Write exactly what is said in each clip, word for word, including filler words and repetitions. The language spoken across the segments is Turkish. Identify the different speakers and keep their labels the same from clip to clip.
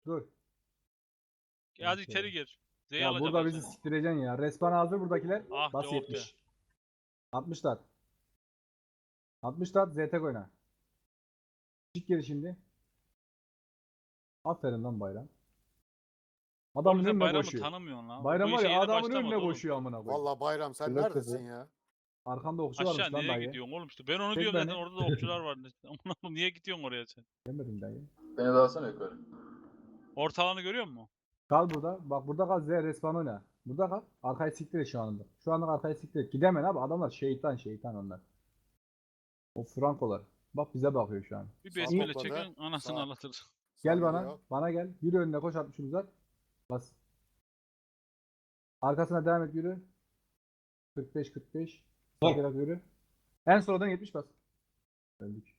Speaker 1: Dur.
Speaker 2: Hadi içeri gir. Z'yi
Speaker 1: Ya
Speaker 2: alacak
Speaker 1: burada bizi
Speaker 2: Hasan.
Speaker 1: siktireceksin ya. Respawn hazır buradakiler.
Speaker 2: Ah
Speaker 1: Bas
Speaker 2: de oh de.
Speaker 1: yetmiş. altmış tat. altmış tat Z T oyna. Çık geri şimdi. Aferin lan Bayram.
Speaker 2: Oğlum
Speaker 1: Adamın
Speaker 2: sen
Speaker 1: önüne
Speaker 2: bayramı
Speaker 1: koşuyor.
Speaker 2: tanımıyorsun lan.
Speaker 1: Bayram
Speaker 2: Bu
Speaker 1: var
Speaker 2: işe
Speaker 1: ya
Speaker 2: yeni
Speaker 1: adamın önüne
Speaker 2: başlamadı oğlum.
Speaker 1: koşuyor amına koyayım.
Speaker 3: Vallahi Bayram sen
Speaker 1: Blok
Speaker 3: neredesin
Speaker 1: sesi.
Speaker 3: ya?
Speaker 1: Arkanda okçu
Speaker 2: Aşağı
Speaker 1: varmış lan
Speaker 2: nereye
Speaker 1: dayı.
Speaker 2: gidiyorsun oğlum işte. Ben onu
Speaker 1: Çek
Speaker 2: diyorum zaten
Speaker 1: beni.
Speaker 2: orada da okçular var. Oğlum niye gidiyorsun oraya sen?
Speaker 1: Demedim dayı.
Speaker 4: Beni de alsana yukarı.
Speaker 2: Ortalanı görüyor musun?
Speaker 1: Kal burada. Bak burada kal Z respawn oyna. Burada kal. Arkayı siktir et şu anda. Şu anda arkayı siktir et. Gidemem abi. Adamlar şeytan şeytan onlar. O Frankolar. Bak bize bakıyor şu an.
Speaker 2: Bir
Speaker 3: Sağ
Speaker 2: besmele
Speaker 3: topladı.
Speaker 2: çekin anasını
Speaker 3: Sağ.
Speaker 2: anlatır.
Speaker 1: Gel
Speaker 3: Sağ
Speaker 1: bana.
Speaker 3: gidiyor.
Speaker 1: Bana gel. Yürü önüne koş altmışını uzat. Bas. Arkasına devam et yürü. kırk beş kırk beş. Bakarak yürü. En sonradan yetmiş bas. Öldük.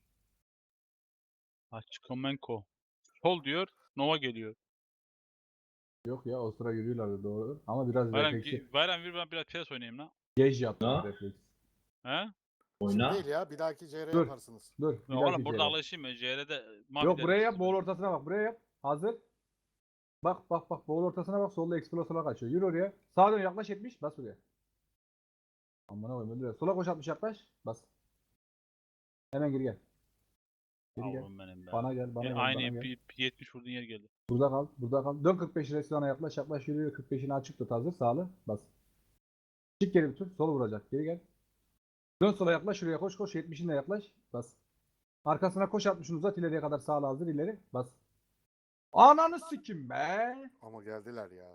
Speaker 2: Haçkomenko. Sol diyor. Nova geliyor.
Speaker 1: Yok ya o sıra yürüyorlardı doğru. Ama biraz
Speaker 2: Bayram,
Speaker 1: refleksi.
Speaker 2: bayram bir ben biraz piyas oynayayım lan.
Speaker 1: Gej yaptı
Speaker 4: Ha?
Speaker 1: refleks.
Speaker 2: He?
Speaker 3: Şimdi
Speaker 4: Oyna.
Speaker 3: değil ya. Bir dahaki C R
Speaker 1: Dur.
Speaker 3: yaparsınız.
Speaker 1: Dur.
Speaker 2: Ya
Speaker 1: Bir
Speaker 2: oğlum
Speaker 1: dahaki
Speaker 2: burada
Speaker 1: C R.
Speaker 2: alışayım ben. C R'de mavi
Speaker 1: Yok buraya yap.
Speaker 2: derisi
Speaker 1: Boğul
Speaker 2: ben.
Speaker 1: ortasına bak. Buraya yap. Hazır. Bak bak bak. Boğul ortasına bak. Solda explosive'a kaçıyor. Yürü oraya. Sağa dön yaklaş yetmiş. Bas buraya. Amına koyayım öldürüyor. Sola koş altmış yaklaş. Bas. Hemen geri gel. Geri gel.
Speaker 2: Yavrum benim be.
Speaker 1: Bana gel. Bana
Speaker 2: E,
Speaker 1: gel.
Speaker 2: aynı
Speaker 1: Bana gel.
Speaker 2: bir- bir yetmiş vurduğun yer geldi.
Speaker 1: Burada kal. Burada kal. Dön kırk beş restorana yaklaş yaklaş yürü. kırk beşini açık tut hazır. Sağlı. Bas. Çık geri bir tur. Sol vuracak. Geri gel. Dön sola yaklaş. Şuraya koş koş. yetmişinle yaklaş. Bas. Arkasına koş altmışını uzat. ileriye kadar sağlı hazır. ileri. Bas. Ananı sikim be.
Speaker 3: Ama geldiler ya.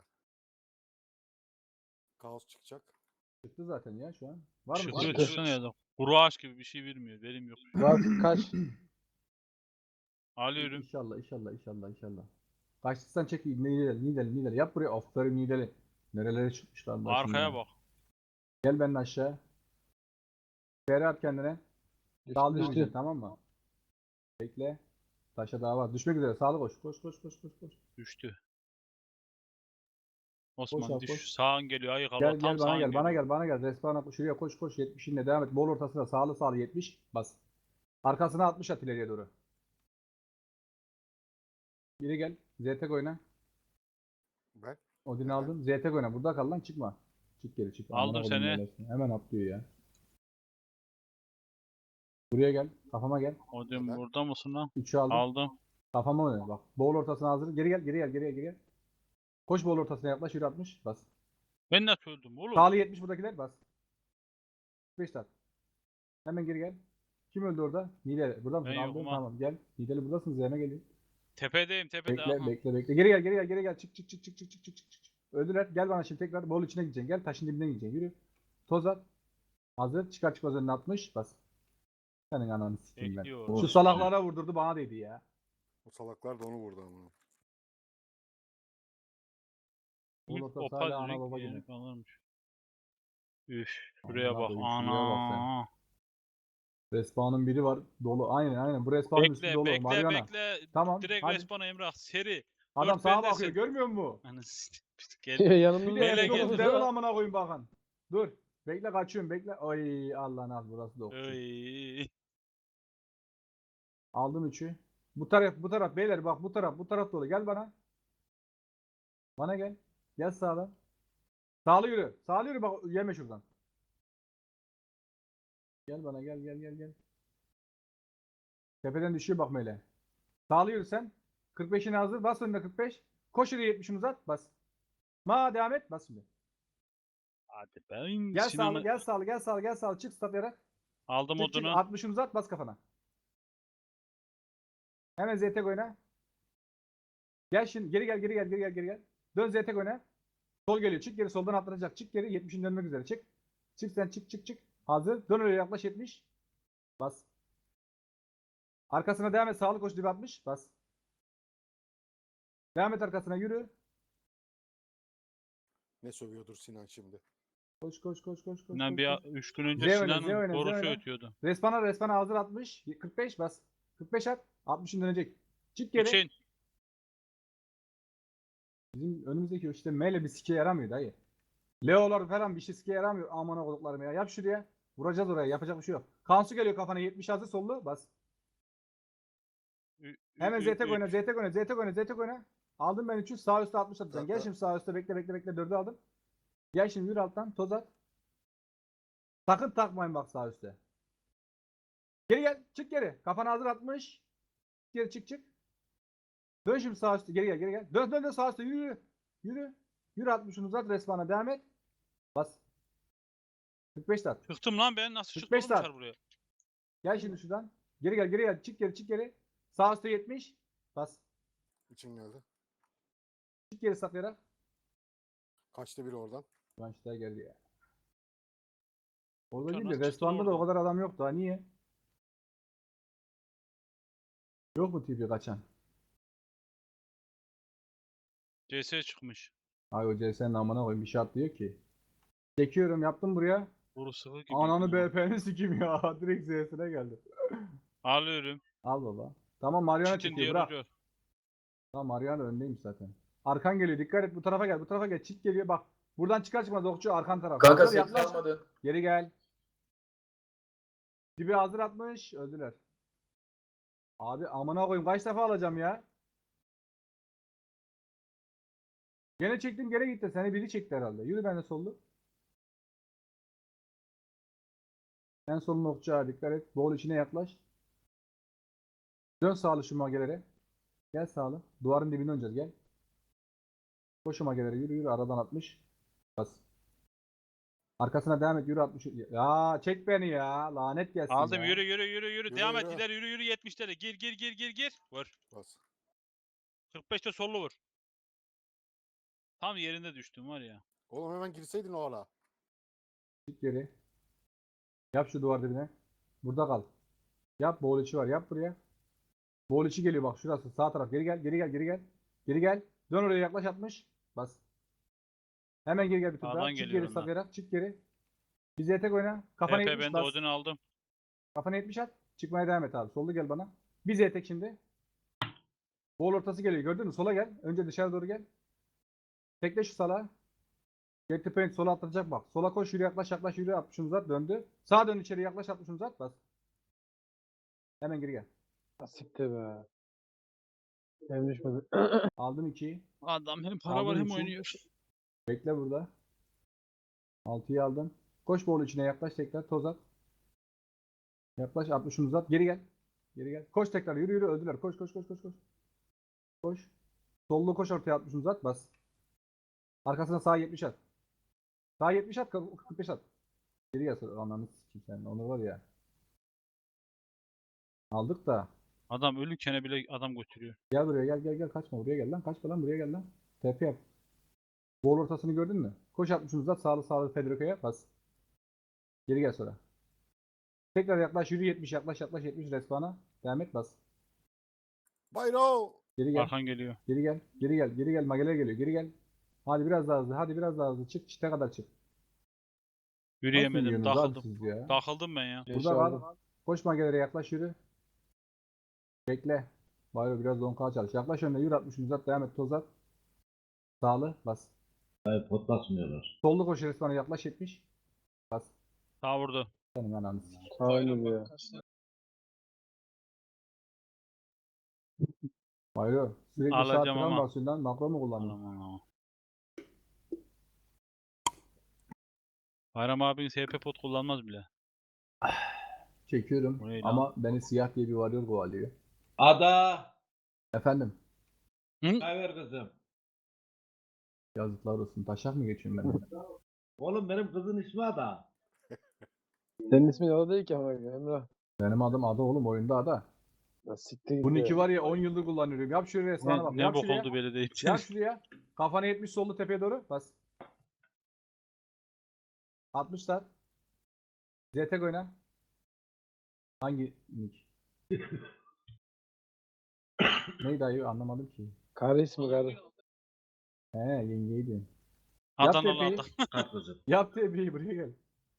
Speaker 3: Kaos çıkacak.
Speaker 1: Çıktı zaten ya şu an. Var mı?
Speaker 2: Çıkıyor
Speaker 1: Çıktı.
Speaker 2: çıksana ya da. Kuru ağaç gibi bir şey vermiyor. Verim yok.
Speaker 1: Var. Kaç?
Speaker 2: Alıyorum.
Speaker 1: İnşallah inşallah inşallah inşallah. Kaçtıysan çek. Nideli nideli nideli. Yap buraya. Aferin nideli. Nerelere çıkmışlar başına.
Speaker 2: Arkaya bak.
Speaker 1: Gel benimle aşağı. Feri at kendine. Dal düştü. Tamam mı? Bekle. Taşa daha var. Düşmek üzere. Sağlı koş. Koş koş koş koş koş.
Speaker 2: Düştü.
Speaker 1: Koş
Speaker 2: Osman
Speaker 1: abi,
Speaker 2: düş.
Speaker 1: koş.
Speaker 2: Sağın geliyor. Ayık
Speaker 1: Gel
Speaker 2: Allah.
Speaker 1: gel
Speaker 2: Tam
Speaker 1: bana
Speaker 2: sağın
Speaker 1: gel. Bana
Speaker 2: geliyor.
Speaker 1: gel. Bana gel. Respawn'a şuraya koş koş. yetmişinle devam et. Bol ortasına sağlı sağlı yetmiş. Bas. Arkasına altmış at ileriye doğru. Geri gel. Z T oyna.
Speaker 3: Ben.
Speaker 1: Odin
Speaker 3: Neden?
Speaker 1: aldım. Z T oyna. Burada kal lan çıkma. Çık geri çık.
Speaker 2: Aldım
Speaker 1: Amına koyayım
Speaker 2: seni.
Speaker 1: böylesine. Hemen atlıyor ya. Buraya gel. Kafama gel.
Speaker 2: O diyorum
Speaker 3: Neden?
Speaker 2: burada mısın lan?
Speaker 1: üçü aldım.
Speaker 2: Aldım.
Speaker 1: Kafama oyna. Bak. Bol ortasına hazır. Geri gel. Geri gel. Geri gel. Geri gel. Koş bol ortasına yaklaş. Yürü altmış. Bas.
Speaker 2: Ben nasıl öldüm oğlum?
Speaker 1: Sağlı yetmiş buradakiler. Bas. beş tat. Hemen geri gel. Kim öldü orada? Nideli. Burada mısın?
Speaker 2: Ben
Speaker 1: Aldın.
Speaker 2: yokum ha.
Speaker 1: Tamam gel. Nideli buradasın. Z'ne gelin.
Speaker 2: Tepedeyim tepede.
Speaker 1: Bekle
Speaker 2: Aha.
Speaker 1: bekle bekle. Geri gel geri gel geri gel. Çık çık çık çık çık çık çık çık. çık. Öldüler. Gel bana şimdi tekrar bol içine gideceksin. Gel taşın dibine gideceksin. Yürü. Toz at. Hazır. Çıkar çıkmaz önüne atmış. Bas. Senin ananı sikeyim ben.
Speaker 2: Bekliyor.
Speaker 1: Şu salaklara vurdurdu bana dedi ya.
Speaker 3: O salaklar da onu vurdu ama.
Speaker 1: Bol
Speaker 2: Üf,
Speaker 1: ortası
Speaker 2: o
Speaker 1: hala ana
Speaker 2: renk
Speaker 1: baba
Speaker 2: yeni
Speaker 1: gibi.
Speaker 2: kalırmış. Üf, şuraya
Speaker 1: Amına
Speaker 2: bak.
Speaker 1: koyayım, şuraya bak sen.
Speaker 2: Ana.
Speaker 1: Respawn'ın biri var. Dolu. Aynen aynen. Bu respawn'ın üstü
Speaker 2: Bekle,
Speaker 1: dolu.
Speaker 2: bekle,
Speaker 1: Mariana.
Speaker 2: bekle.
Speaker 1: Tamam,
Speaker 2: Direkt
Speaker 1: hadi.
Speaker 2: respawn'a Emrah. Seri.
Speaker 1: Adam
Speaker 2: Dört
Speaker 1: sağa
Speaker 2: bendesin.
Speaker 1: bakıyor. Görmüyor musun?
Speaker 2: Anasını gel.
Speaker 1: Bir de
Speaker 2: Yanımda
Speaker 1: F dokuz
Speaker 2: geldi.
Speaker 1: level amına koyayım bakan. Dur. Bekle kaçıyorum bekle. Ay Allah'ın az burası da okçu.
Speaker 2: Oy.
Speaker 1: Aldım üçü. Bu taraf bu taraf beyler bak bu taraf bu taraf dolu. Gel bana. Bana gel. Gel sağdan. Sağlı yürü. Sağlı yürü bak yeme şuradan. Gel bana gel gel gel gel. Tepeden düşüyor bak Mele. Sağlı yürü sen. kırk beşini hazır. Bas önüne kırk beş. Koş yürü yetmişini uzat. Bas. Ma devam et. Bas şimdi.
Speaker 2: Hadi ben
Speaker 1: Gel
Speaker 2: Sinan'ı
Speaker 1: sağlı gel sağlı gel sağlı gel sağlı. Çık stat yarak.
Speaker 2: aldım
Speaker 1: Çık çık.
Speaker 2: odunu.
Speaker 1: altmışını uzat. Bas kafana. Hemen Z T oyna. Gel şimdi geri gel geri gel geri gel geri gel. Dön Z T oyna. Sol geliyor. Çık geri soldan atlanacak. Çık geri yetmişin dönmek üzere. Çık. Çık sen çık çık çık. Hazır. Dön öyle yaklaş yetmiş. Bas. Arkasına devam et. Sağlı koş dibe atmış. Bas. Devam et arkasına yürü.
Speaker 3: Ne sövüyordur Sinan şimdi?
Speaker 1: Koş koş koş koş koş.
Speaker 2: Sinan
Speaker 1: koş,
Speaker 2: bir
Speaker 1: koş.
Speaker 2: üç gün önce
Speaker 1: Z oyna, Z
Speaker 2: Sinan'ın
Speaker 1: oyna, Z
Speaker 2: borusu
Speaker 1: oyna.
Speaker 2: ötüyordu.
Speaker 1: Respana respana hazır altmış. kırk beş bas. kırk beş at. altmışın dönecek. Çık geri.
Speaker 2: Üçün.
Speaker 1: Bizim önümüzdeki işte meyle bir sike yaramıyor dayı. Leo'lar falan bir şey sike yaramıyor. Aman oğluklarım ya. Yap şuraya. Vuracağız oraya. Yapacak bir şey yok. Kansu geliyor kafana. yetmiş hazır sollu. Bas.
Speaker 2: Ü-
Speaker 1: Hemen
Speaker 2: ü-
Speaker 1: Z T
Speaker 2: ü-
Speaker 1: oyna. Z T oyna. Z T oyna. Z T oyna. Aldım ben üç yüz. Sağ üstte altmış atacaksın. Gel
Speaker 3: Dakika.
Speaker 1: şimdi sağ üstte bekle bekle bekle. dördü aldım. Gel şimdi yürü alttan. Toz at. Sakın takmayın bak sağ üstte. Geri gel. Çık geri. Kafana hazır atmış. Geri çık çık. Dön şimdi sağ üstte. Geri gel geri gel. Dön dön dön sağ üstte. Yürü yürü. Yürü. Yürü altmışını uzat. Resmana devam et. Bas. kırk beş tat.
Speaker 2: Çıktım lan ben. Nasıl
Speaker 1: kırk
Speaker 2: çıktım
Speaker 1: beş
Speaker 2: oğlum
Speaker 1: saat.
Speaker 2: dışarı buraya?
Speaker 1: Gel şimdi şuradan. Geri gel geri gel. Çık geri çık geri. Sağ üstte yetmiş. Bas.
Speaker 3: İçin geldi.
Speaker 1: Çık geri saklayarak.
Speaker 3: Kaçtı biri oradan.
Speaker 1: Gençler geldi ya. Orada
Speaker 2: Uçar
Speaker 1: değil de
Speaker 2: nasıl çıktı lan
Speaker 1: restoranda da o
Speaker 2: oradan?
Speaker 1: kadar adam yoktu ha. Niye? Yok mu tipi kaçan?
Speaker 2: C S çıkmış.
Speaker 1: Ay o C S'nin amına koyayım bir şey atlıyor ki. Çekiyorum yaptım buraya.
Speaker 2: Boru sıkı gibi.
Speaker 1: Ananı B P'ni sikim ya. Direkt Z'sine geldi.
Speaker 2: Alıyorum.
Speaker 1: Al baba. Tamam Mariana
Speaker 2: Çitin
Speaker 1: çekiyor
Speaker 2: diğer
Speaker 1: bırak.
Speaker 2: ucu.
Speaker 1: Tamam Mariana öndeymiş zaten. Arkan geliyor dikkat et bu tarafa gel bu tarafa gel. Çit geliyor bak. Buradan çıkar çıkmaz okçu arkan taraf.
Speaker 4: Kanka
Speaker 1: Hazır,
Speaker 4: set
Speaker 1: yaklaş.
Speaker 4: kalmadı.
Speaker 1: Geri gel. Dibi hazır atmış. Öldüler. Abi amına koyayım kaç defa alacağım ya. Gene çektim geri gitti. Seni biri çekti herhalde. Yürü ben de sollu. En solun okçağa dikkat et. Bol içine yaklaş. Dön sağlı şu magelere. Gel sağlı. Duvarın dibine döneceğiz gel. Koş şu magelere yürü yürü aradan atmış. Bas. Arkasına devam et yürü altmış. Ya çek beni ya. Lanet gelsin
Speaker 2: Aldım
Speaker 1: ya.
Speaker 2: yürü yürü yürü yürü.
Speaker 3: Yürü,
Speaker 2: Devam et
Speaker 3: yürü.
Speaker 2: ileri yürü yürü yetmişlere. Gir gir gir gir gir. Vur.
Speaker 3: Bas.
Speaker 2: kırk beşte sollu vur. Tam yerinde düştüm var ya.
Speaker 3: Oğlum hemen girseydin o ara.
Speaker 1: Çık geri. Yap şu duvar dibine. Burada kal. Yap boğul içi var. Yap buraya. Boğul içi geliyor bak şurası. Sağ taraf. Geri gel. Geri gel. Geri gel. Geri gel. Dön oraya yaklaş atmış. Bas. Hemen geri gel bir tur
Speaker 2: Sağdan
Speaker 1: daha. Çık
Speaker 2: geliyorum
Speaker 1: geri
Speaker 2: ben.
Speaker 1: saklayarak. Çık geri. Bize tek oyna. Kafana
Speaker 2: P P
Speaker 1: yetmiş
Speaker 2: ben de
Speaker 1: bas.
Speaker 2: Odin'i aldım.
Speaker 1: Kafana yetmiş at. Çıkmaya devam et abi. Sollu gel bana. Bize tek şimdi. Boğul ortası geliyor. Gördün mü? Sola gel. Önce dışarı doğru gel. Tekle şu sala. Get the paint sola atlayacak bak. Sola koş yürü yaklaş yaklaş yürü altmışını uzat döndü. Sağa dön içeri yaklaş altmışını uzat bas. Hemen geri gel.
Speaker 5: Siktir be. Hem düşmedi.
Speaker 1: Aldım ikiyi.
Speaker 2: Adam hem para
Speaker 1: Aldın
Speaker 2: var hem
Speaker 1: üçü.
Speaker 2: oynuyor.
Speaker 1: Bekle burada. altıyı aldım. Koş boğul içine yaklaş tekrar toz at. Yaklaş altmışını uzat. Geri gel. Geri gel. Koş tekrar yürü yürü öldüler. Koş koş koş koş koş. Koş. Sollu koş ortaya altmışını uzat bas. Arkasına sağ yetmiş at. Sağ yetmiş at kırk beş at. Geri gel sonra ananı sikeyim sen. Onu var ya. Aldık da.
Speaker 2: Adam ölürken bile adam götürüyor.
Speaker 1: Gel buraya gel gel gel kaçma buraya gel lan kaçma lan buraya gel lan. T P yap. Bol ortasını gördün mü? Koş altmışını uzat sağlı sağlı Federico'ya bas. Geri gel sonra. Tekrar yaklaş yürü yetmiş yaklaş yaklaş yetmiş respawn'a. Devam et bas.
Speaker 3: Bayro!
Speaker 1: Geri gel.
Speaker 2: Arkan geliyor.
Speaker 1: Geri gel. Geri gel. Geri gel. Mageler geliyor. Geri gel. Hadi biraz daha hızlı. Hadi biraz daha hızlı. Çık. Çite kadar çık. Nasıl
Speaker 2: Yürüyemedim.
Speaker 1: yiyorsunuz abi
Speaker 2: Takıldım.
Speaker 1: siz ya?
Speaker 2: Takıldım ben ya.
Speaker 1: Burada kal. Koş magelere yaklaş yürü. Bekle. Bayro biraz donka çalış. Yaklaş önüne yürü altmışını uzat. Devam et. Toz at. Sağlı. Bas.
Speaker 4: Hayır pot basmıyorlar.
Speaker 1: Sollu koş respawn'a yaklaş yetmiş. Bas.
Speaker 2: Sağ vurdu.
Speaker 1: Senin ananı sikeyim.
Speaker 5: Aynen ya.
Speaker 1: Bayro. Sürekli saat
Speaker 2: Alacağım
Speaker 1: falan
Speaker 2: ama.
Speaker 1: basıyorsun lan. Makro mu kullanıyorsun?
Speaker 2: Aman aman. Bayram abinin S P pot kullanmaz bile.
Speaker 1: Çekiyorum.
Speaker 2: Bu ne lan?
Speaker 1: Ama beni siyah diye bir varıyor kovalıyor.
Speaker 4: Ada!
Speaker 1: Efendim.
Speaker 2: Hı?
Speaker 4: Çay ver kızım.
Speaker 1: Yazıklar olsun. Taşak mı geçiyorum ben?
Speaker 4: Oğlum benim kızın ismi Ada.
Speaker 5: Senin ismin o değil ki ama Emrah.
Speaker 1: Benim adım Ada oğlum. Oyunda Ada.
Speaker 5: Ya siktir git
Speaker 1: Bu
Speaker 5: be.
Speaker 1: nick'i var ya on yıldır kullanıyorum. Yap şuraya resmana bak.
Speaker 2: Ne, ne
Speaker 1: Yap
Speaker 2: bok
Speaker 1: şuraya.
Speaker 2: oldu belli değil.
Speaker 1: Yap şuraya. Kafana yetmiş sollu tepeye doğru. Bas. altmışlar. Z T oyna. Hangi nick? Neydi ayı anlamadım ki.
Speaker 5: Karı ismi karı.
Speaker 1: He yengeydi.
Speaker 2: Adanalı
Speaker 1: tepeyi.
Speaker 2: adam.
Speaker 4: Kalk kızım.
Speaker 1: Yap tepeyi buraya gel.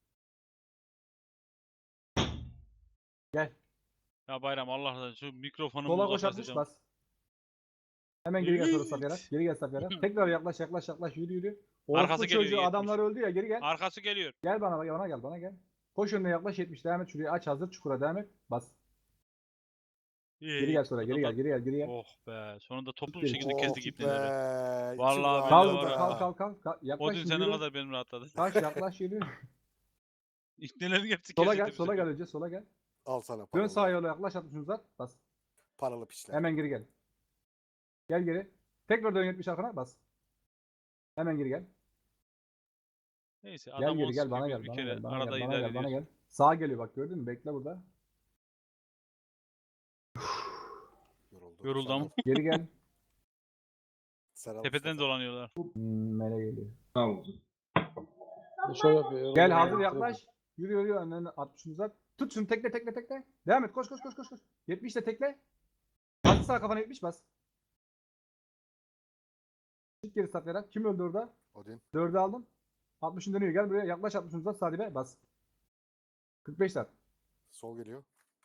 Speaker 1: Gel.
Speaker 2: Ya Bayram Allah razı olsun. Şu mikrofonumu
Speaker 1: Sola koş atmış
Speaker 2: uzaklaşacağım.
Speaker 1: bas. Hemen geri gel sonra
Speaker 2: Evet.
Speaker 1: saklayarak. Geri gel saklayarak. Tekrar yaklaş yaklaş yaklaş yürü yürü. Orospu
Speaker 2: Arkası geliyor,
Speaker 1: çocuğu
Speaker 2: yetmiş.
Speaker 1: adamlar öldü ya geri gel.
Speaker 2: Arkası geliyor.
Speaker 1: Gel bana bana gel bana gel. Koş önüne yaklaş yetmiş devam et şuraya aç hazır çukura devam et. Bas.
Speaker 2: İyi,
Speaker 1: Geri
Speaker 2: iyi.
Speaker 1: gel sonra geri gel
Speaker 2: Adamlar-
Speaker 1: geri gel geri gel.
Speaker 2: Oh be. Sonunda toplu bir
Speaker 1: Geri-
Speaker 2: şekilde
Speaker 3: Oh
Speaker 2: kestik
Speaker 3: be.
Speaker 2: ipneleri.
Speaker 3: içim
Speaker 2: Vallahi
Speaker 3: rahatladı.
Speaker 2: böyle
Speaker 1: Kalk
Speaker 2: var ya.
Speaker 1: kalk kalk kalk. kalk. Yaklaş
Speaker 2: Odin
Speaker 1: şimdi
Speaker 2: sene
Speaker 1: yürü.
Speaker 2: kadar benim rahatladı.
Speaker 1: Taş yaklaş yürü.
Speaker 2: İpnelerin hepsi
Speaker 1: Sola
Speaker 2: kesildi
Speaker 1: gel
Speaker 2: bir
Speaker 1: sola gel
Speaker 2: sefer.
Speaker 1: önce sola gel.
Speaker 3: Al sana
Speaker 1: Dön
Speaker 3: paralı.
Speaker 1: sağa yola yaklaş altmışını uzat. Bas.
Speaker 3: Paralı piçler.
Speaker 1: Hemen geri gel. Gel geri. Tekrar dön yetmiş arkana bas. Hemen geri gel.
Speaker 2: Neyse
Speaker 1: Gel
Speaker 2: adam
Speaker 1: geri
Speaker 2: on
Speaker 1: gel bana
Speaker 2: sıkıyor
Speaker 1: gel
Speaker 2: bir
Speaker 1: bana
Speaker 2: kere
Speaker 1: gel bana
Speaker 2: arada
Speaker 1: gel bana
Speaker 2: idare
Speaker 1: gel bana
Speaker 2: ediyor.
Speaker 1: gel. Sağa geliyor bak gördün mü? Bekle burada.
Speaker 3: Yoruldu.
Speaker 2: Yoruldu ama.
Speaker 1: Geri gel.
Speaker 3: Sen al
Speaker 2: Tepeden
Speaker 3: Mustafa.
Speaker 2: dolanıyorlar.
Speaker 1: Hmm, mele geliyor.
Speaker 4: Sağ olsun.
Speaker 5: Şov yapıyor.
Speaker 1: Gel
Speaker 5: yoruldu,
Speaker 1: hazır
Speaker 5: yoruldu.
Speaker 1: yaklaş. Yürü yürü önüne altmışını uzat. Tut şunu tekle tekle tekle. Devam et koş koş koş koş koş. yetmiş de tekle. Hazır sağ kafana yetmiş bas. Çık geri saklayarak. Kim öldü orada?
Speaker 3: Odin.
Speaker 1: dördü aldım. altmışın dönüyor. Gel buraya. Yaklaş altmışını uzat. Sadibe bas. kırk beş saat.
Speaker 3: Sol geliyor.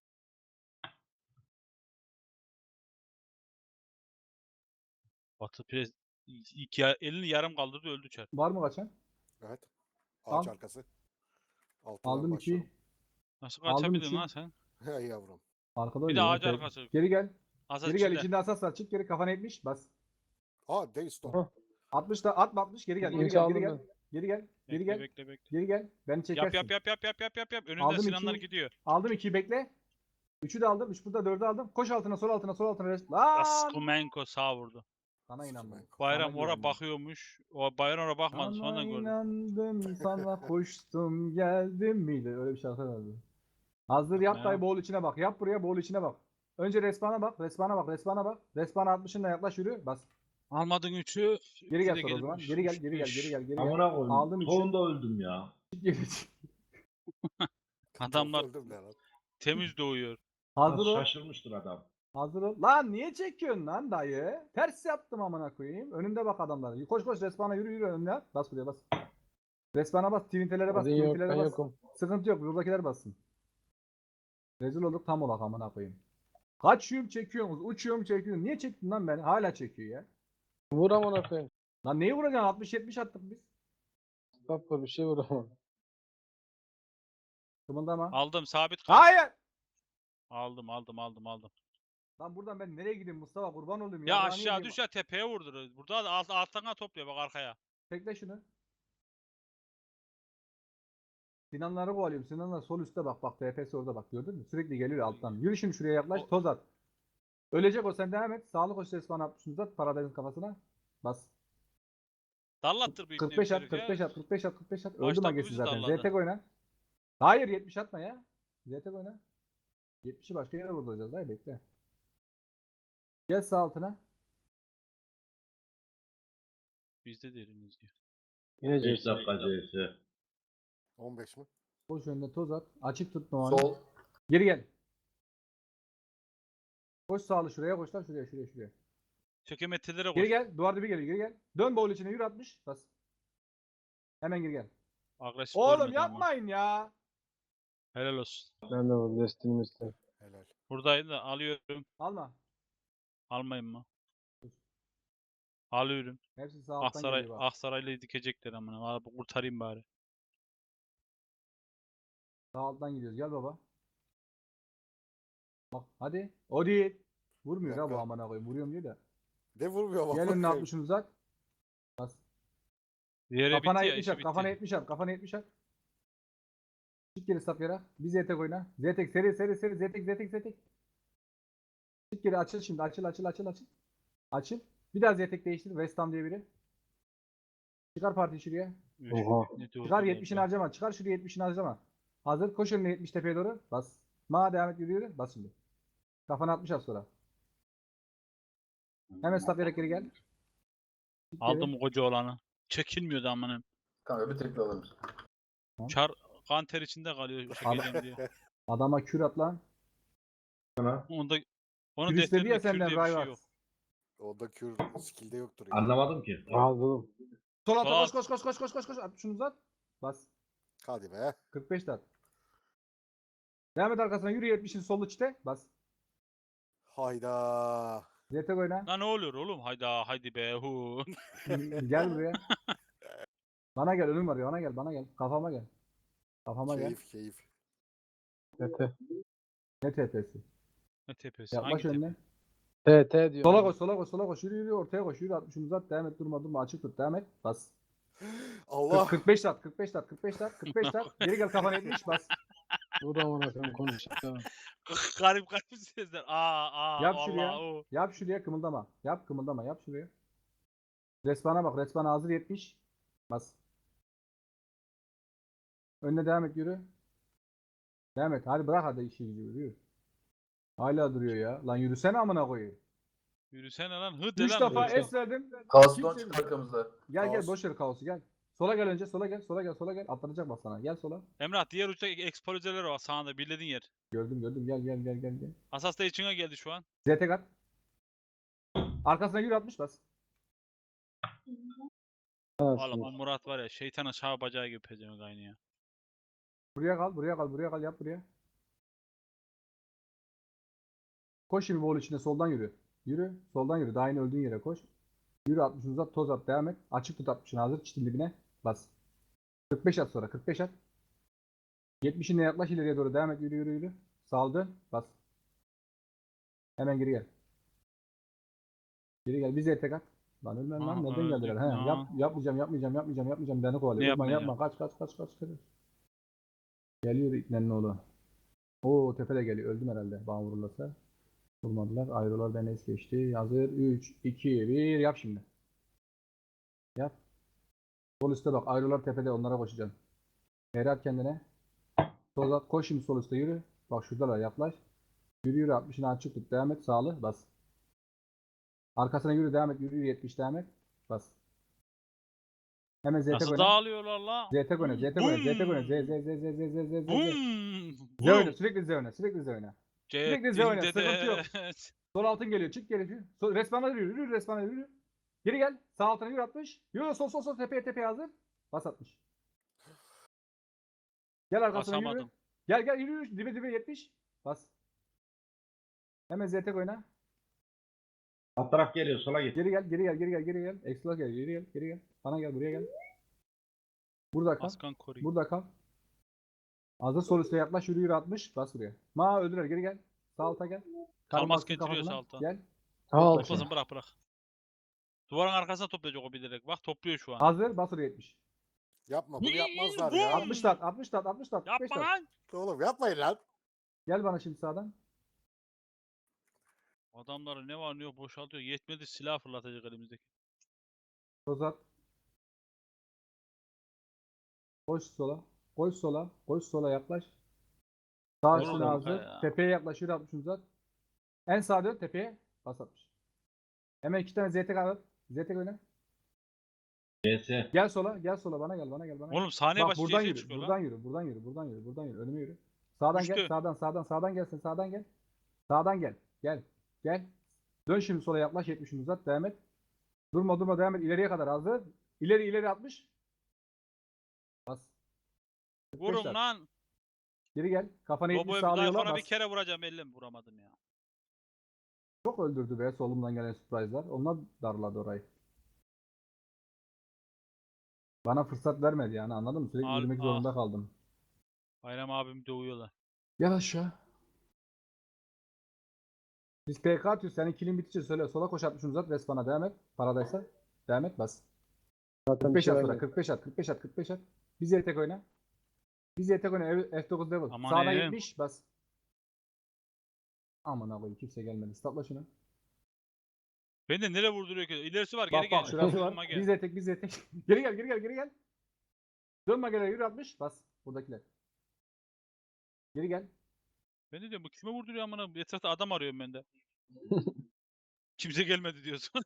Speaker 2: Batı pres iki ya- elini yarım kaldırdı öldü çar.
Speaker 1: Var mı kaçan?
Speaker 3: Evet. Ağaç
Speaker 1: Al.
Speaker 3: arkası. Altından
Speaker 1: Aldım
Speaker 3: başlıyorum.
Speaker 1: ikiyi.
Speaker 2: Nasıl
Speaker 1: Aldım
Speaker 2: kaçabildin
Speaker 1: üçü.
Speaker 2: lan sen?
Speaker 3: Hey yavrum.
Speaker 1: Arkada
Speaker 2: Bir de
Speaker 1: oynuyor.
Speaker 2: ağaç
Speaker 1: Tek-
Speaker 2: arkası.
Speaker 1: Geri gel.
Speaker 2: Asas
Speaker 1: Geri gel.
Speaker 2: içinde.
Speaker 1: İçinde asas var. Çık geri. Kafana yetmiş bas.
Speaker 3: Aa Daystorm.
Speaker 5: Hah.
Speaker 1: altmış da atma altmış. Geri gel. Geri
Speaker 5: İnç
Speaker 1: gel.
Speaker 5: aldım
Speaker 1: Geri gel.
Speaker 5: ben.
Speaker 1: Geri gel. Geri
Speaker 2: Bekle
Speaker 1: gel.
Speaker 2: bekle bekle.
Speaker 1: Geri gel. Beni çekersin.
Speaker 2: Yap yap yap yap yap yap yap yap. Önünde
Speaker 1: Aldım
Speaker 2: Sinanlar
Speaker 1: ikiyi.
Speaker 2: gidiyor.
Speaker 1: Aldım ikiyi bekle. Üçü de aldım. Üç burada dördü aldım. Koş altına sol altına sol altına. rest- Lan!
Speaker 2: Askumenko sağ vurdu.
Speaker 1: Sana inandım.
Speaker 2: Bayram
Speaker 1: Sana
Speaker 2: ora
Speaker 1: güvendim.
Speaker 2: bakıyormuş. O Bayram ora bakmadı
Speaker 1: Sana
Speaker 2: sonradan gördüm.
Speaker 1: inandım sana koştum geldim miydi? Öyle bir şarkı vardı. Hazır yap
Speaker 2: Ya.
Speaker 1: dayı boğul içine bak. Yap buraya boğul içine bak. Önce respana bak. Respana bak. Respana bak. Respana altmışınla yaklaş yürü. Bas.
Speaker 2: Almadın üçü.
Speaker 1: Geri
Speaker 2: üçü
Speaker 1: gel
Speaker 2: de
Speaker 1: sonra o zaman.
Speaker 2: gelmiş,
Speaker 1: Geri gel
Speaker 2: üç,
Speaker 1: geri gel
Speaker 2: üç.
Speaker 1: geri gel geri gel.
Speaker 4: Amına koyayım.
Speaker 1: Aldım üçü.
Speaker 4: Sonunda öldüm ya.
Speaker 1: Çık geri çık.
Speaker 2: Adamlar
Speaker 3: Çok öldüm ne lan?
Speaker 2: temiz doğuyor.
Speaker 1: Hazır
Speaker 4: Nasıl
Speaker 1: ol.
Speaker 4: şaşırmıştır adam.
Speaker 1: Hazır ol. Lan niye çekiyorsun lan dayı? Ters yaptım amına koyayım. Önümde bak adamlar. Koş koş respana yürü yürü önüne. Bas buraya bas. Respana bas. Twintelere bas.
Speaker 5: Odin yok,
Speaker 1: Twintelere
Speaker 5: ben
Speaker 1: bas.
Speaker 5: yokum.
Speaker 1: Sıkıntı yok. Buradakiler bassın. Rezil olduk tam olak amına koyayım. Kaçıyorum çekiyorsunuz. Uçuyorum çekiyorum. Niye çektin lan beni? Hala çekiyor ya.
Speaker 5: Vur amına koyayım.
Speaker 1: Lan neyi vuracaksın? altmış yetmiş attık biz.
Speaker 5: Stop vur bir şey vur ama.
Speaker 1: Kımıldama.
Speaker 2: Aldım sabit kal.
Speaker 1: Hayır.
Speaker 2: Aldım aldım aldım aldım.
Speaker 1: Lan buradan ben nereye gideyim Mustafa? Kurban olayım
Speaker 2: Ya
Speaker 1: Yarrağını
Speaker 2: aşağı
Speaker 1: yiyeyim.
Speaker 2: düş ya tepeye vurdur. Burada da alt, alttan topluyor bak arkaya.
Speaker 1: Tekle şunu. Sinanları kovalıyorum. Sinanlar sol üstte bak. Bak T P'si orada bak. Gördün mü? Sürekli geliyor alttan. Yürü şimdi şuraya yaklaş.
Speaker 2: O-
Speaker 1: Toz at. Ölecek o sen devam et. Sağlık hoş resmen atmışsınız at. Paradayızın kafasına. Bas.
Speaker 2: Dallattır büyük
Speaker 1: kırk beş at, kırk beş at, kırk beş at, kırk beş at. Öldü
Speaker 2: Başta
Speaker 1: magesi
Speaker 2: bizi
Speaker 1: zaten.
Speaker 2: darladı.
Speaker 1: Z T K oyna. Hayır yetmiş atma ya. Z T K oyna. yetmişi başka yere vurduracağız. Hayır bekle. Gel sağ altına.
Speaker 2: Bizde deriniz diyor.
Speaker 5: Yine
Speaker 4: beş
Speaker 5: Jason.
Speaker 4: dakika C S.
Speaker 3: on beş mi?
Speaker 1: Koş önüne toz at. Açık tut Noah'ını.
Speaker 5: Sol.
Speaker 1: Geri gel. Koş sağlı şuraya koş lan şuraya şuraya şuraya.
Speaker 2: Çökemetelere koş.
Speaker 1: Geri gel. Duvar dibi geliyor. Geri gel. Dön boğul içine yürü atmış. Bas. Hemen geri gel.
Speaker 2: Agresif
Speaker 1: Oğlum
Speaker 2: görmedi ama.
Speaker 1: yapmayın ya.
Speaker 2: Helal olsun.
Speaker 5: Ben de vur. Destinim istedim.
Speaker 3: Helal.
Speaker 2: Buradaydı da alıyorum.
Speaker 1: Alma.
Speaker 2: Almayayım mı? Alıyorum.
Speaker 1: Hepsi sağ alttan
Speaker 2: Aksaray,
Speaker 1: geliyor bak.
Speaker 2: Aksaray'la dikecekler amına. Abi kurtarayım bari.
Speaker 1: Sağ alttan gidiyoruz. Gel baba. Bak hadi. O değil. Vurmuyor
Speaker 3: Bir
Speaker 1: ha bu
Speaker 3: dakika.
Speaker 1: amına koyayım. Vuruyorum diyor da.
Speaker 3: Ne vurmuyor bak.
Speaker 1: Gel önüne
Speaker 3: bakayım.
Speaker 1: altmışını uzat. Bas.
Speaker 2: Yere
Speaker 1: Kafana
Speaker 2: bitti ya
Speaker 1: yetmiş
Speaker 2: işi
Speaker 1: at.
Speaker 2: bitti.
Speaker 1: Kafana yetmiş at. Kafana yetmiş at. Çık geri sap yere. Bir zetek oyna. Zetek seri seri seri. Zetek zetek zetek. Çık geri açıl şimdi. Açıl açıl açıl açıl. Açıl. Bir daha zetek değiştir. West Ham diye biri. Çıkar parti şuraya.
Speaker 2: Üf,
Speaker 5: Oha.
Speaker 2: ne diyor
Speaker 1: Çıkar
Speaker 2: bu
Speaker 1: yetmişini
Speaker 2: be?
Speaker 1: harcama. Çıkar şuraya yetmişini harcama. Hazır. Koş önüne yetmiş tepeye doğru. Bas. Ma devam et yürü yürü. Bas şimdi. Kafana altmış at sonra. Hemen stop yere geri gel. Çık geri.
Speaker 2: Aldım koca olanı. Çekilmiyordu amanın.
Speaker 5: Kanka bir tekli alırım.
Speaker 2: Çar kan ter içinde kalıyor çekeceğim diye.
Speaker 1: Adama kür at lan.
Speaker 4: Sana.
Speaker 2: Onda onun
Speaker 1: Kür istedi ya
Speaker 2: defterinde kür
Speaker 1: senden
Speaker 2: diye bir şey
Speaker 1: Rayvaz.
Speaker 2: yok.
Speaker 3: Onda kür skill'de yoktur ya.
Speaker 4: Anlamadım ki.
Speaker 5: Al oğlum.
Speaker 1: Sol alta
Speaker 2: Sol
Speaker 1: koş koş koş koş koş koş koş. At şunu uzat. Bas.
Speaker 3: Hadi be.
Speaker 1: kırk beş at. Devam et arkasına yürü yetmişin sol içte. Bas.
Speaker 3: Hayda.
Speaker 1: Zetek oyna.
Speaker 2: Lan ne oluyor oğlum? Hayda haydi be hu.
Speaker 1: Gel buraya. Bana gel önüm var ya bana gel bana gel. Kafama gel. Kafama gel.
Speaker 3: Keyif keyif.
Speaker 5: Mete.
Speaker 1: Ne T P'si?
Speaker 2: Ne tepesi?
Speaker 1: Yaklaş
Speaker 2: Hangi tepe?
Speaker 1: önüne.
Speaker 5: T T diyor.
Speaker 1: Sola koş, sola koş, sola koş. Yürü yürü ortaya koş. Yürü altmışını uzat. Devam et, durma durma. Açık tut. Devam et. Bas.
Speaker 3: Allah.
Speaker 1: kırk, kırk beş lat, kırk beş lat, kırk beş lat, kırk beş lat. Geri gel kafana yetmiş bas.
Speaker 5: Bu da amına koyayım konuşuyor.
Speaker 2: garip garip sesler. Aa aa
Speaker 1: Yap
Speaker 2: Allah
Speaker 1: şuraya.
Speaker 2: o.
Speaker 1: Yap şuraya kımıldama. Yap kımıldama. Yap şuraya. Respawn'a bak. Respawn hazır yetmiş. Bas. Önüne devam et yürü. Devam et. Hadi bırak hadi işi gücü yürü. Hala duruyor ya. Lan yürüsene amına koyayım.
Speaker 2: Yürüsene lan. Hı de
Speaker 1: Üç
Speaker 2: lan.
Speaker 1: defa
Speaker 2: Hı de.
Speaker 1: es verdim.
Speaker 6: Kaos'tan
Speaker 1: Kimse-
Speaker 6: çık arkamızda.
Speaker 1: Gel gel
Speaker 3: Kaos.
Speaker 1: boş ver kaosu gel. Sola gel önce. Sola gel. Sola gel. Sola gel. Sola gel. Atlanacak bak sana. Gel sola.
Speaker 2: Emrah diğer uçta ekspozeler var sağında birlediğin yer.
Speaker 1: Gördüm gördüm. Gel gel gel gel gel.
Speaker 2: Asas da içine geldi şu an.
Speaker 1: Z T kat. Arkasına yürü atmış bas.
Speaker 2: Oğlum o Murat var ya şeytana şah bacağı gibi pezemek aynı ya.
Speaker 1: Buraya kal. Buraya kal. Buraya kal. Yap buraya. Koş şimdi bol içine soldan yürü. Yürü. Soldan yürü. Daha yeni öldüğün yere koş. Yürü altmışını uzat. Toz at. Devam et. Açık tut altmışını hazır. Çitin dibine. Bas. kırk beş at sonra. kırk beş at. yetmişine yaklaş ileriye doğru. Devam et. Yürü yürü yürü. Saldı. Bas. Hemen geri gel. Geri gel. Bize tek at. Lan ölmem lan.
Speaker 2: Aa,
Speaker 1: Nereden
Speaker 2: öldük
Speaker 1: geldiler? He,
Speaker 2: lan.
Speaker 1: yap, yapmayacağım yapmayacağım yapmayacağım yapmayacağım. Beni
Speaker 2: Ne
Speaker 1: kovalıyor. Yapma yapma.
Speaker 2: yapmayacağım?
Speaker 1: Kaç kaç kaç kaç. kaç. Geliyor İknenin oğlu. Oo tepede geliyor. Öldüm herhalde. Bana vururlarsa. Vurmadılar. Ayrılar beni es geçti. Hazır. üç, iki, bir. Yap şimdi. Yap. Sol üstte bak. Ayrılar tepede. Onlara koşacaksın. Geri at kendine. Sol at. Koş şimdi sol üstte yürü. Bak şuradalar. Yaklaş. Yürü yürü. altmışını açık tut. Devam et. Sağlı. Bas. Arkasına yürü. Devam et. Yürü yürü. yetmiş devam et. Bas. Hemen Z T
Speaker 2: Nasıl
Speaker 1: oyna.
Speaker 2: dağılıyorlar la?
Speaker 1: Z T oyna. Z T oyna. Z T oyna. Z Z Z Z Z Z Z Z Z.
Speaker 2: Bum.
Speaker 1: Z oyna. Sürekli Z oyna. Sürekli Z oyna. Sürekli Z oyna,
Speaker 2: Ceddinde
Speaker 1: sıkıntı yok.
Speaker 2: de-
Speaker 1: Sol altın geliyor. Çık geri. Sol, respawn'a yürü. Yürü respawn'a yürü. Geri gel. Sağ altına yürü atmış. Yürü sol sol sol tepeye tepeye hazır. Bas atmış. Gel arkasına yürü.
Speaker 2: Basamadım.
Speaker 1: Gel gel yürü yürü. Dibe dibe yetmiş. Bas. Hemen Z T oyna.
Speaker 4: Alt taraf geliyor sola git.
Speaker 1: Geri gel geri gel geri gel geri gel. Ekstra gel geri gel geri gel. Bana gel buraya gel. Burada kal.
Speaker 2: Askan koruyun.
Speaker 1: Burada kal. Hazır sol üstte yaklaş yürü yürü atmış. Bas buraya. Ma öldürer geri gel. Sağ alta gel. Karın
Speaker 2: Kalmaz
Speaker 1: baskın
Speaker 2: getiriyor
Speaker 1: kafasına.
Speaker 2: sağ alta.
Speaker 1: Gel.
Speaker 5: Al.
Speaker 2: Toplasın bırak bırak. Duvarın arkasına toplayacak o bilerek. Bak topluyor şu an.
Speaker 1: Hazır bas oraya yetmiş.
Speaker 3: Yapma bunu yapmazlar
Speaker 2: Vum!
Speaker 3: ya.
Speaker 1: altmış tat altmış tat altmış tat. kırk beş
Speaker 2: Yapma
Speaker 1: tat.
Speaker 2: lan.
Speaker 3: Oğlum yapmayın lan.
Speaker 1: Gel bana şimdi sağdan.
Speaker 2: Adamları ne var ne yok boşaltıyor. Yetmedi silah fırlatacak elimizdeki.
Speaker 1: Tozat. Koş sola. Koş sola. Koş sola yaklaş. Sağ
Speaker 2: Oğlum
Speaker 1: üstüne
Speaker 2: kanka
Speaker 1: hazır.
Speaker 2: ya.
Speaker 1: Tepeye yaklaş. Yürü atmış uzat. En sağa dön tepeye. Bas atmış. Hemen iki tane Z T al. Z T oyna.
Speaker 4: C S.
Speaker 1: Gel sola. Gel sola. Bana gel. Bana gel. Bana gel.
Speaker 2: Oğlum saniye
Speaker 1: Bak
Speaker 2: başı
Speaker 1: buradan
Speaker 2: C S
Speaker 1: yürü.
Speaker 2: çıkıyor
Speaker 1: Buradan
Speaker 2: lan.
Speaker 1: yürü. Buradan yürü. Buradan yürü. Buradan yürü. Önüme yürü. Sağdan gel.
Speaker 2: Düştü.
Speaker 1: Sağdan sağdan sağdan gelsin. Sağdan gel. Sağdan gel. Gel. Gel. Dön şimdi sola yaklaş. yetmişini uzat. Devam et. Durma durma devam et. İleriye kadar hazır. İleri ileri atmış. Bas. kırk beş
Speaker 2: Vurun
Speaker 1: at.
Speaker 2: lan.
Speaker 1: Geri gel. Kafana yetmiş
Speaker 2: Robo'yu
Speaker 1: sağlıyorlar.
Speaker 2: Zayfon'a bir
Speaker 1: Bas.
Speaker 2: kere vuracağım ellim vuramadım ya.
Speaker 1: Çok öldürdü be solumdan gelen surprise'lar. Onlar darladı orayı. Bana fırsat vermedi yani anladın mı? Sürekli
Speaker 2: Al-
Speaker 1: yürümek
Speaker 2: ah.
Speaker 1: zorunda kaldım.
Speaker 2: Bayram abim dövüyorlar.
Speaker 1: Gel aşağı. Biz P K atıyoruz. Senin kilin bitince söyle. Sola koş atmışsın uzat. Respawn'a devam et. Paradaysa. Devam et bas.
Speaker 5: Zaten
Speaker 1: kırk
Speaker 5: bir
Speaker 1: beş
Speaker 5: şey
Speaker 1: at sonra.
Speaker 5: vermedi.
Speaker 1: kırk beş at. kırk beş at. kırk beş at. Biz yetek oyna. Biz yetek oyna. F dokuz level.
Speaker 2: Aman
Speaker 1: Sağda
Speaker 2: em.
Speaker 1: yetmiş bas. Aman abi kimse gelmedi. Statla şunu.
Speaker 2: Beni de nereye vurduruyor ki? İlerisi var
Speaker 1: Bak
Speaker 2: geri
Speaker 1: bak
Speaker 2: gel.
Speaker 1: şurası
Speaker 2: Yanıma
Speaker 1: var.
Speaker 2: gel.
Speaker 1: Biz yetek biz yetek. Geri gel geri gel geri gel. Dönme gel yürü atmış. Bas. Buradakiler. Geri gel.
Speaker 2: Ben de diyorum bu kime vurduruyor amına? Etrafta adam arıyorum ben de. Kimse gelmedi diyorsun.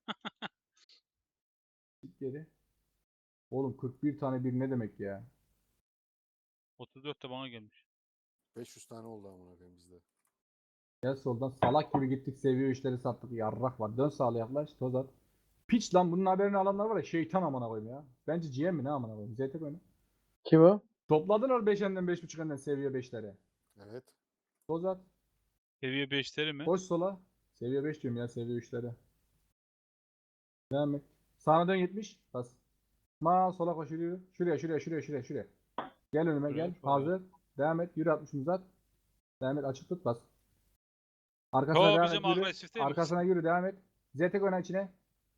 Speaker 1: Git geri. Oğlum kırk bir tane bir ne demek ya?
Speaker 2: otuz dört de bana gelmiş.
Speaker 3: beş yüz tane oldu amına koyayım bizde.
Speaker 1: Gel soldan salak gibi gittik seviyor işleri sattık yarrak var. Dön sağla yaklaş toz at. Piç lan bunun haberini alanlar var ya şeytan amına koyayım ya. Bence G M mi ne amına koyayım. Z T oyna.
Speaker 5: Kim o?
Speaker 1: Topladılar beş enden beş buçuk enden seviye beşlere.
Speaker 3: Evet.
Speaker 1: Toz at.
Speaker 2: Seviye beşleri mi?
Speaker 1: Koş sola. Seviye beş diyorum ya seviye üçlere. Devam et. Sağına dön yetmiş. Bas. Ma sola koş yürü. Şuraya şuraya şuraya şuraya şuraya. Gel önüme
Speaker 2: Şuraya,
Speaker 1: gel.
Speaker 2: şuraya.
Speaker 1: Hazır. Devam et. Yürü altmışını uzat. Devam et açık tut bas. Arkasına
Speaker 2: Yo
Speaker 1: devam
Speaker 2: bizim
Speaker 1: et yürü.
Speaker 2: agresif değil mi?
Speaker 1: Arkasına yürü devam et. Zetek oyna içine.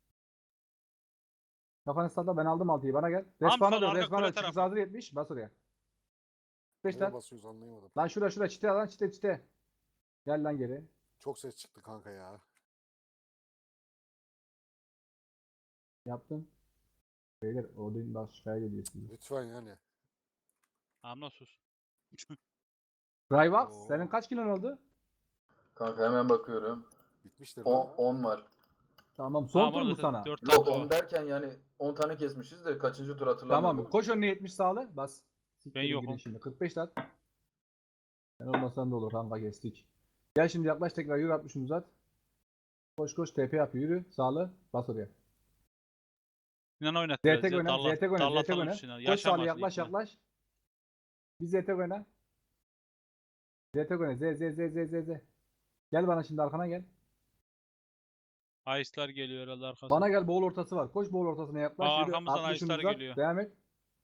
Speaker 1: Kafanı salla ben aldım altıyı bana gel.
Speaker 2: Tam
Speaker 1: Respawn'a
Speaker 2: sol
Speaker 1: dön
Speaker 2: arka
Speaker 1: respawn'a
Speaker 2: kule
Speaker 1: dön. Çıkış
Speaker 2: tarafı.
Speaker 1: hazır yetmiş. Bas oraya. beş
Speaker 3: Nereye
Speaker 1: lat.
Speaker 3: basıyoruz anlayamadım.
Speaker 1: Lan şura şura çite lan çite çite. Gel lan geri.
Speaker 3: Çok ses çıktı kanka ya.
Speaker 1: Yaptın. Beyler Odin başkaya geliyor size.
Speaker 3: Lütfen yani.
Speaker 2: Amına sus.
Speaker 1: Ryvax
Speaker 3: Oo.
Speaker 1: senin kaç kilon oldu?
Speaker 6: Kanka hemen bakıyorum.
Speaker 3: Bitmiştir
Speaker 6: on,
Speaker 3: lan.
Speaker 6: on var.
Speaker 1: Tamam son
Speaker 2: Tamam,
Speaker 1: tur
Speaker 2: orada
Speaker 1: mu sana?
Speaker 2: dört
Speaker 6: Yok
Speaker 2: tane
Speaker 6: on
Speaker 2: var.
Speaker 6: derken yani on tane kesmişiz de kaçıncı tur hatırlamıyorum.
Speaker 1: Tamam koş önüne yetmiş sağlı bas. Siktir
Speaker 2: Ben
Speaker 1: gidin
Speaker 2: yokum.
Speaker 1: Şimdi kırk beş lat. Ben olmasan da olur kanka kestik. Gel şimdi yaklaş tekrar yürü altmışını uzat. Koş koş T P yapıyor yürü sağlı bas oraya.
Speaker 2: Sinan oynat
Speaker 1: Z
Speaker 2: biraz
Speaker 1: T
Speaker 2: ya.
Speaker 1: oyna,
Speaker 2: Darla,
Speaker 1: Z T oyna, Z T
Speaker 2: darlatalım
Speaker 1: oyna.
Speaker 2: Sinan.
Speaker 1: Koş sağlı
Speaker 2: Yaşamasın
Speaker 1: yaklaş
Speaker 2: ikna.
Speaker 1: yaklaş. Bir Z T oyna. Z T oyna, Z Z Z Z Z Z. Gel bana şimdi arkana gel.
Speaker 2: Ayıslar geliyor herhalde arkasına.
Speaker 1: Bana gel boğul ortası var. Koş boğul ortasına yaklaş.
Speaker 2: Aa,
Speaker 1: yürü,
Speaker 2: arkamızdan
Speaker 1: altmışını
Speaker 2: Ayıslar
Speaker 1: uzat,
Speaker 2: geliyor.
Speaker 1: Devam et.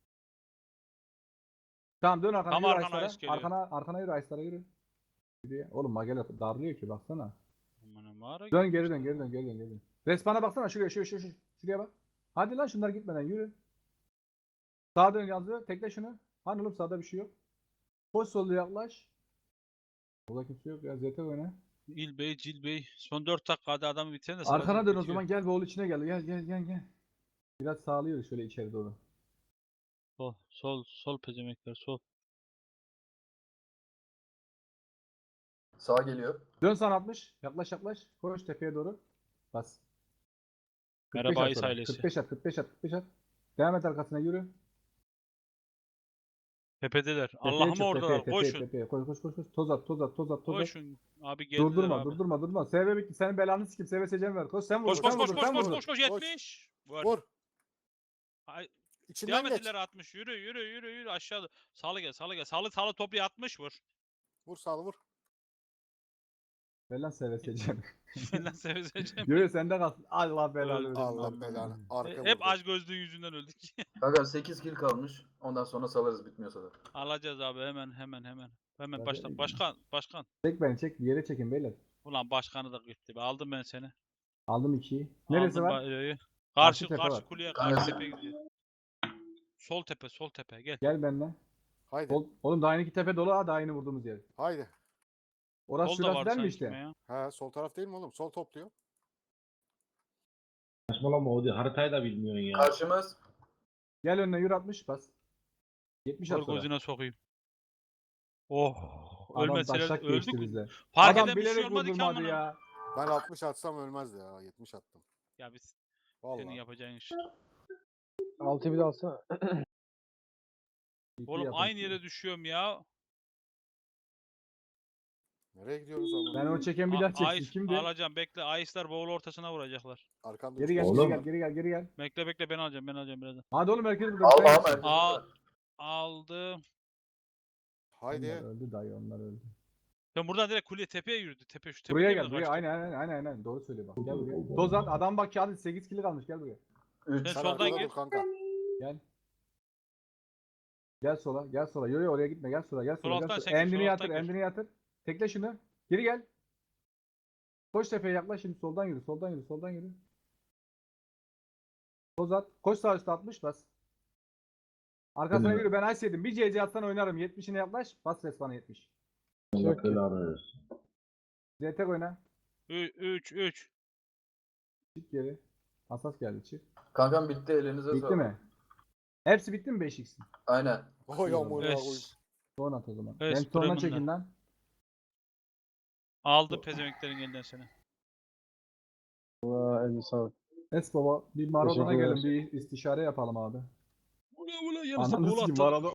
Speaker 1: Tamam dön arkana
Speaker 2: Tam
Speaker 1: yürü
Speaker 2: arkana
Speaker 1: Ayıslara.
Speaker 2: Ayıs geliyor.
Speaker 1: Arkana, arkana yürü Ayıslara yürü. Yürü ya. Oğlum Magela darlıyor ki baksana.
Speaker 2: Aman mağara
Speaker 1: Dön
Speaker 2: gibi
Speaker 1: geri
Speaker 2: işte.
Speaker 1: dön geri dön geri dön geri dön. Respawn'a baksana şuraya şuraya şuraya şuraya. Şuraya bak. Hadi lan şunlar gitmeden yürü. Sağa dön yazdı. Tekle şunu. Hani oğlum sağda bir şey yok. Koş solda yaklaş. Burada kimse yok ya. Z T oyna.
Speaker 2: İlbey, Cilbey. Son dört dakikada adamı bitiren de
Speaker 1: Arkana
Speaker 2: sırada
Speaker 1: dön o
Speaker 2: bitiyor.
Speaker 1: zaman. Gel boğul içine gel. Gel gel gel gel. Biraz sağlıyoruz şöyle içeri doğru.
Speaker 2: Sol, sol, sol pezemekler, sol.
Speaker 6: Sağ geliyor.
Speaker 1: Dön sana altmış. Yaklaş yaklaş. Koş tepeye doğru. Bas. kırk beş
Speaker 2: Merhaba
Speaker 1: at
Speaker 2: Ayıs
Speaker 1: sonra.
Speaker 2: ailesi.
Speaker 1: kırk beş at, kırk beş at, kırk beş at. Devam et arkasına yürü.
Speaker 2: Tepedeler.
Speaker 1: Tepeye
Speaker 2: Allah'ım
Speaker 1: çık,
Speaker 2: oradalar.
Speaker 1: tepeye, tepeye,
Speaker 2: Koşun.
Speaker 1: tepeye. Koş koş koş koş. Toz at, toz at, toz at, toz at.
Speaker 2: Koşun. Abi geldiler
Speaker 1: Durdurma,
Speaker 2: abi.
Speaker 1: durdurma, durdurma. S V bitti. Senin belanı sikim. S V secem ver. Koş sen vur.
Speaker 2: Koş koş
Speaker 1: sen
Speaker 2: koş
Speaker 1: vur,
Speaker 2: koş
Speaker 1: sen
Speaker 2: koş
Speaker 1: vur.
Speaker 2: koş koş yetmiş. Vur.
Speaker 3: Vur.
Speaker 2: Ay,
Speaker 3: İçinden
Speaker 2: devam
Speaker 3: geç.
Speaker 2: ettiler altmış. Yürü yürü yürü yürü aşağıda. Sağlı gel sağlı gel. Sağlı sağlı toplu altmış vur.
Speaker 3: Vur sağlı vur.
Speaker 1: Ver lan S V secem.
Speaker 2: Benden seveceğim.
Speaker 1: Yürü sende kalsın. Allah belanı versin.
Speaker 3: Allah belanı. Arka
Speaker 2: Hep
Speaker 3: vurdu.
Speaker 2: aç gözlüğün yüzünden öldük.
Speaker 6: Kanka sekiz kill kalmış. Ondan sonra salarız bitmiyorsa da.
Speaker 2: Alacağız abi hemen hemen hemen. Hemen
Speaker 1: Hadi
Speaker 2: başla.
Speaker 1: eyvallah.
Speaker 2: Başkan başkan.
Speaker 1: Çek beni çek. Bir yere çekin beyler.
Speaker 2: Ulan başkanı da gitti. be. Aldım ben seni.
Speaker 1: Aldım ikiyi. Neresi
Speaker 2: Aldım
Speaker 1: var?
Speaker 2: Bayrağı.
Speaker 1: Karşı
Speaker 2: Karşı
Speaker 1: tepe
Speaker 2: karşı
Speaker 1: var.
Speaker 2: kuleye
Speaker 6: Kanka
Speaker 2: karşı
Speaker 6: se-
Speaker 2: tepe gidiyor. Sol tepe sol tepe gel.
Speaker 1: Gel benimle.
Speaker 3: Haydi.
Speaker 1: Ol- Oğlum daha yeni iki tepe dolu ha daha yeni vurduğumuz yer.
Speaker 3: Haydi.
Speaker 1: Orası
Speaker 2: Sol da
Speaker 1: şurası
Speaker 2: var
Speaker 1: der mi
Speaker 2: sanki
Speaker 1: işte?
Speaker 2: ya.
Speaker 3: He sol taraf değil mi oğlum? Sol topluyor.
Speaker 4: Saçmalama o değil. Haritayı da bilmiyorsun ya.
Speaker 6: Karşımız.
Speaker 1: Gel önüne yürü altmış bas. yetmiş at
Speaker 2: Vur
Speaker 1: sonra.
Speaker 2: gözüne sokayım. Oh.
Speaker 1: Adam
Speaker 2: Ölmeseler
Speaker 1: taşak
Speaker 2: öldük
Speaker 1: geçti
Speaker 2: mü?
Speaker 1: bizle.
Speaker 2: Fark
Speaker 1: Adam
Speaker 2: eden bir şey
Speaker 1: bilerek
Speaker 2: olmadı ki
Speaker 1: vurdurmadı
Speaker 2: amına.
Speaker 1: ya.
Speaker 3: Ben altmış atsam ölmezdi ya. yetmiş attım.
Speaker 2: Ya biz
Speaker 3: Vallahi.
Speaker 2: senin yapacağın iş.
Speaker 5: Altı bir de alsana.
Speaker 1: İki
Speaker 2: Oğlum
Speaker 1: yapın.
Speaker 2: aynı yere düşüyorum ya.
Speaker 3: Nereye gidiyoruz ama?
Speaker 1: Ben o çeken bir
Speaker 2: A-
Speaker 1: daha çeksin.
Speaker 2: Ayis-
Speaker 1: Kimdi?
Speaker 2: alacağım bekle. Ayıslar boğul ortasına vuracaklar.
Speaker 3: Arkanda
Speaker 1: Geri
Speaker 3: üç
Speaker 1: gel,
Speaker 3: kişi
Speaker 1: geri
Speaker 4: Oğlum.
Speaker 1: gel, geri gel, geri gel.
Speaker 2: Bekle bekle ben alacağım ben alacağım birazdan.
Speaker 1: Hadi oğlum herkes burada.
Speaker 6: Al
Speaker 1: Buraya
Speaker 6: al
Speaker 1: geçsin.
Speaker 6: merkezi.
Speaker 2: Aa.
Speaker 6: burada.
Speaker 2: Aldım.
Speaker 3: Haydi.
Speaker 1: Onlar öldü dayı onlar öldü.
Speaker 2: Ben buradan direkt kuleye tepeye yürüdü. Tepe şu tepe
Speaker 1: Buraya
Speaker 2: değil mi
Speaker 1: gel buraya
Speaker 2: kaçtı?
Speaker 1: aynen aynen aynen aynen doğru söylüyor bak. Gel buraya. Dozan adam bak kağıdı sekiz kilo kalmış gel buraya.
Speaker 6: üç.
Speaker 2: Sen
Speaker 3: Sen
Speaker 2: soldan
Speaker 3: arkada
Speaker 2: gir.
Speaker 3: dur kanka.
Speaker 1: Gel. Gel sola gel sola. Yo yo oraya gitme gel sola gel
Speaker 2: Sol
Speaker 1: sola.
Speaker 2: alttan
Speaker 1: Gel
Speaker 2: sen
Speaker 1: sola.
Speaker 2: gir, sol
Speaker 1: Endini
Speaker 2: alttan
Speaker 1: yatır
Speaker 2: gir.
Speaker 1: endini yatır. Tekle şunu. Geri gel. Koş tepeye yaklaş şimdi soldan yürü soldan yürü soldan yürü. Toz at. Koş sağ üstte altmış bas. Arkasına
Speaker 4: Tamam.
Speaker 1: yürü ben ice yedim. Bir C C atsan oynarım. yetmişine yaklaş. Bas respawn'a yetmiş.
Speaker 4: Allah belanı versin.
Speaker 1: Z T oyna.
Speaker 2: üç üç.
Speaker 1: Çık geri. Asas geldi çık.
Speaker 6: Kankam bitti elinize
Speaker 1: Bitti
Speaker 6: sağlık.
Speaker 1: mi? Hepsi bitti mi beş x'in?
Speaker 6: Aynen.
Speaker 3: Oy amına koyayım.
Speaker 2: Es.
Speaker 1: Son at o zaman.
Speaker 2: Es,
Speaker 1: Ben sonuna
Speaker 2: Bremen'den.
Speaker 1: çekin lan.
Speaker 2: Aldı pezemeklerin elinden seni.
Speaker 5: Valla eline sağlık.
Speaker 1: Es baba bir Maradona
Speaker 5: Teşekkürler.
Speaker 1: gelin bir istişare yapalım abi.
Speaker 2: Ula ula yarısı
Speaker 1: Ananı
Speaker 2: gol
Speaker 1: sikim
Speaker 2: attı.
Speaker 1: Maradona.